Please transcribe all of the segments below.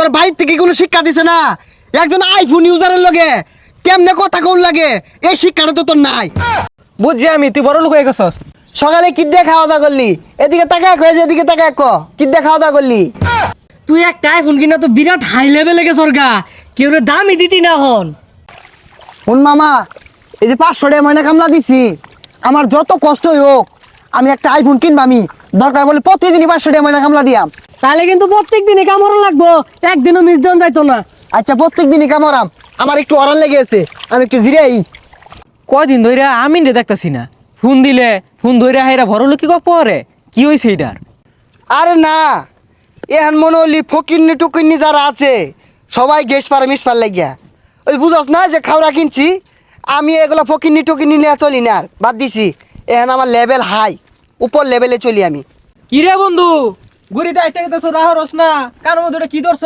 তোর বাড়ির থেকে কোনো শিক্ষা দিছে না? একজন আইফোন ইউজারের লগে কেমনে কথা কোন লাগে এই শিক্ষাটা তো তোর নাই। বুঝছি আমি, তুই বড় লোক হয়ে গেছস। সকালে কি দিয়ে খাওয়া দাওয়া করলি? এদিকে তাকায় কয়েছে, এদিকে তাকায় ক কি দিয়ে খাওয়া দাওয়া করলি? তুই একটা আইফোন কিনা তো বিরাট হাই লেভেলে গেছর গা, কেউ দামই দিতি না হন। শুন মামা, এই যে 500 টাকা ময়না কামলা দিছি, আমার যত কষ্টই হোক আমি একটা আইফোন কিনবা। আমি দরকার বলে প্রতিদিনই 500 টাকা ময়না কামলা দিয়াম। তাহলে কিন্তু প্রত্যেক দিনে কামড় লাগবো, একদিনও মিস দেন যাইতো না। আচ্ছা প্রত্যেক দিনই কামড়াম, আমার একটু অরান লেগে আছে, আমি একটু জিরাই। কয়দিন ধরে আমি রে দেখতাছি না, ফোন দিলে ফোন ধরে হাইরা বড় লোক কি পরে কি হয়েছে এটার? আরে না, এখন মনে হলি ফকিন্নি টুকিন্নি যারা আছে সবাই গ্যাস পারে মিস পার লাগিয়া। ওই বুঝস না যে খাওয়া কিনছি, আমি এগুলো ফকিন্নি টুকিন্নি নিয়ে চলি না, আর বাদ দিছি। এখন আমার লেভেল হাই, উপর লেভেলে চলি আমি। কি রে বন্ধু, গুড়িতে আইটা গেছ রাহরস না, কার মধ্যে কি ধরছ?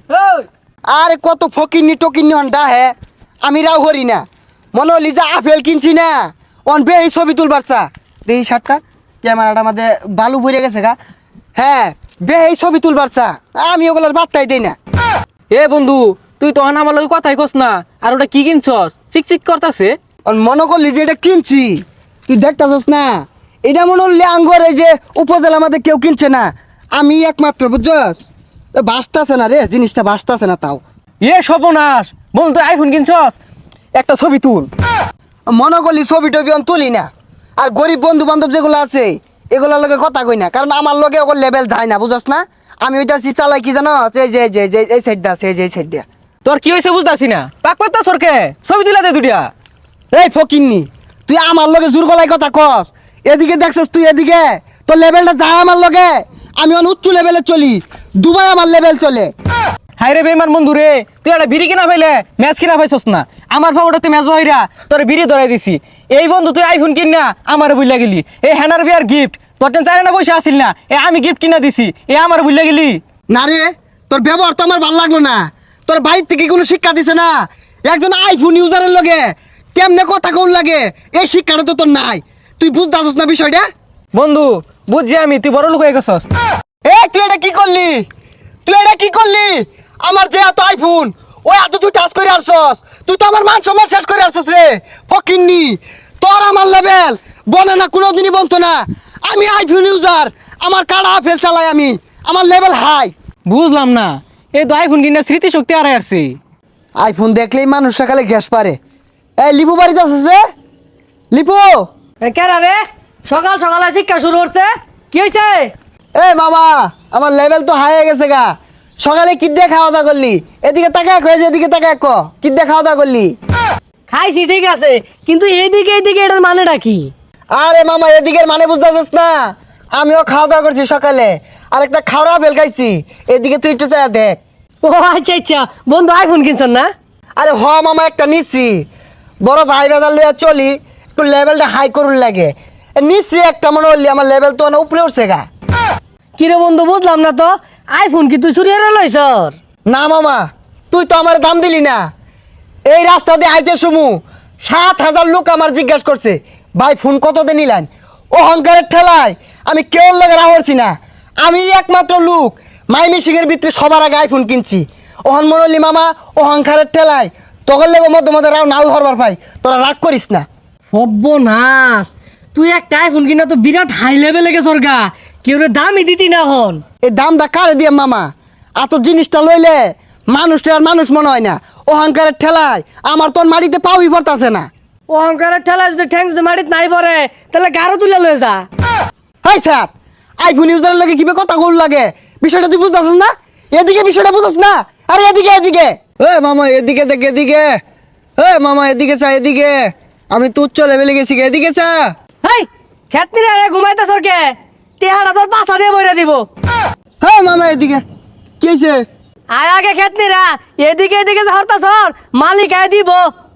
আরে কত ফকিন্নি টকিন্নি হন্ডা হে, আমি রাও হরি না। মনে হলি যে আপেল কিনছি না, অন বে এই ছবি তুলবার চা দেখি শার্টটা ক্যামেরাটা আমাদের বালু ভরে গেছে গা। হ্যাঁ বে এই ছবি তুলবার চা, আমি ওগুলোর বার্তাই দেই না। এ বন্ধু, তুই তো আমার লগে কথাই কস না, আর ওটা কি কিনছস? চিকচিক করতাছে। মনে করলি যে এটা কিনছি, তুই দেখতাছস না? এটা মনে হলি আঙ্গর এই যে উপজেলা আমাদের কেউ কিনছে না, আমি একমাত্র, বুঝছস? বাঁচতাছে না রে, জিনিসটা বাঁচতাছে না। তাও এ সর্বনাশ, বন্ধু তুই আইফোন কিনছস, একটা ছবি তুল। মনে করলি ছবি টবি অন তুলি না, আর গরিব বন্ধু বান্ধব যেগুলো আছে এগুলোর লগে কথা কই না, কারণ আমার লগে ওর লেভেল যায় না, বুঝছস না? আমি ওইটা চালাই কি জানো, এই যে যে যে এই সাইডটা আছে, এই যে এই সাইড দিয়া। তোর কি হয়েছে বুঝতাছি না, পাক পাত্তা সরকে ছবি তুলা দে দুটিয়া। এই ফকিন্নি, তুই আমার লগে জোর গলায় কথা কস। এদিকে দেখছস তুই, এদিকে তোর লেভেলটা যায় আমার লগে। আমি অন উচ্চ লেভেলে চলি, দুবাই আমার লেভেল চলে। হাই রে বেমান বন্ধু রে, তুই একটা বিড়ি কিনা পাইলে ম্যাচ কিনা পাইছস না, আমার ফাউটা তুই ম্যাচ বহিরা তোর বিড়ি ধরাই দিছি। এই বন্ধু তুই আইফোন কিন না আমার বুঝলা গেলি, এই হ্যানার বিয়ার গিফট তোর টেন চাই না পয়সা আসিল না, আমি গিফট কিনা দিছি, আমার বুঝলা গেলি। না রে, তোর ব্যবহার তো আমার ভালো লাগলো না। তোর বাড়ির থেকে কোনো শিক্ষা দিছে না? একজন আইফোন ইউজারের লগে কেমনে কথা কোন লাগে এই শিক্ষাটা তো তোর নাই। তুই বুঝতেছস না বিষয়টা? বন্ধু বুঝছি আমি, তুই বড় লোক হয়ে গেছস। এই তুই এটা কি করলি? তুই এটা কি করলি? আমার যে এত আইফোন, ওই এত তুই টাচ করে আসছস, তুই তো আমার মান সম্মান শেষ করে আসছস রে ফকিন্নি। তোর আমার লেভেল বনে না, কোনোদিনই বলতো না। আমি আইফোন ইউজার, আমার কাড়া আপেল চালাই আমি, আমার লেভেল হাই। বুঝলাম না, এই তো আইফোন কিনা স্মৃতিশক্তি আড়াই আসছে। আইফোন দেখলেই মানুষ সকালে গ্যাস পারে। এই লিপু বাড়িতে আসছিস রে? লিপু, কেরা রে, সকাল সকালে শিক্ষা শুরু করছে, কি হয়েছে? এ মামা, আমার লেভেল তো হাই হয়ে গেছে গা। সকালে কি দিয়ে খাওয়া দাওয়া করলি? এদিকে তাকায় কয়েছে, এদিকে তাকায় ক কি দিয়ে খাওয়া দাওয়া করলি? খাইছি ঠিক আছে, কিন্তু এইদিকে এইদিকে এটার মানেটা কি? আরে মামা, এদিকের মানে বুঝতেছিস না? আমিও খাওয়া দাওয়া করছি সকালে, আর একটা খাওয়া ফেল খাইছি। এদিকে তুই একটু চায়া দেখ। ও আচ্ছা আচ্ছা, বন্ধু আইফোন কিনছেন না? আরে হ মামা, একটা নিচ্ছি, বড় ভাই বাজার লইয়া চলি, একটু লেভেলটা হাই করুন লাগে। নিচ্ছি একটা, মনে হলি আমার লেভেল তো অনেক উপরে উঠছে গা। কিরে বন্ধু, বুঝলাম না তো, আইফোন কি তুই চুরি হারা লইছর? না মামা, তুই তো আমার দাম দিলি না। এই রাস্তা দিয়ে আইতে সুমু 7,000 লোক আমার জিজ্ঞাসা করছে, ভাই ফোন কত দিয়ে নিলেন? অহংকারের ঠেলায় আমি কেউ লাগে রাহরছি না। আমি একমাত্র লোক মাইমি সিংয়ের ভিতরে সবার আগে আইফোন কিনছি। ওহন মনলি মামা, অহংকারের ঠেলায় তখন লেগে মধ্যে মধ্যে রাও নাও হরবার পাই। তোরা রাগ করিস না। সর্বনাশ, তুই একটা আইফোন কিনা তো বিরাট হাই লেভেলে গেছর গা, কেউ দামই দিতি না হন। এই দামটা কারে দিয়ে মামা? এত জিনিসটা লইলে মানুষটা আর মানুষ মনে হয় না। অহংকারের ঠেলায় আমার তোর মাটিতে পাউই পড়তাছে না। অহংকারের ঠেলা যদি ঠ্যাং যদি মাটিত নাই পড়ে, তাহলে গারো তুলে লয়ে যা। হাই স্যার, আইফোন ইউজারের লাগে কিভাবে কথা বল লাগে, বিষয়টা তুই বুঝতেছিস না? এদিকে বিষয়টা বুঝছিস না? আরে এদিকে এদিকে, এ মামা এদিকে দেখ, এদিকে। এ মামা এদিকে চা, এদিকে। আমি তো উচ্চ লেভেলে গেছি, এদিকে চা। হেই, খেতনি রে ঘুমাইতেছর কে? তেহারা তোর পাছা দিয়ে বইরা দিব। হ্যাঁ মামা এদিকে, কি হয়েছে? আর আগে খেতনি রা, এদিকে এদিকে যে হরতাছর, মালিক আয় দিব।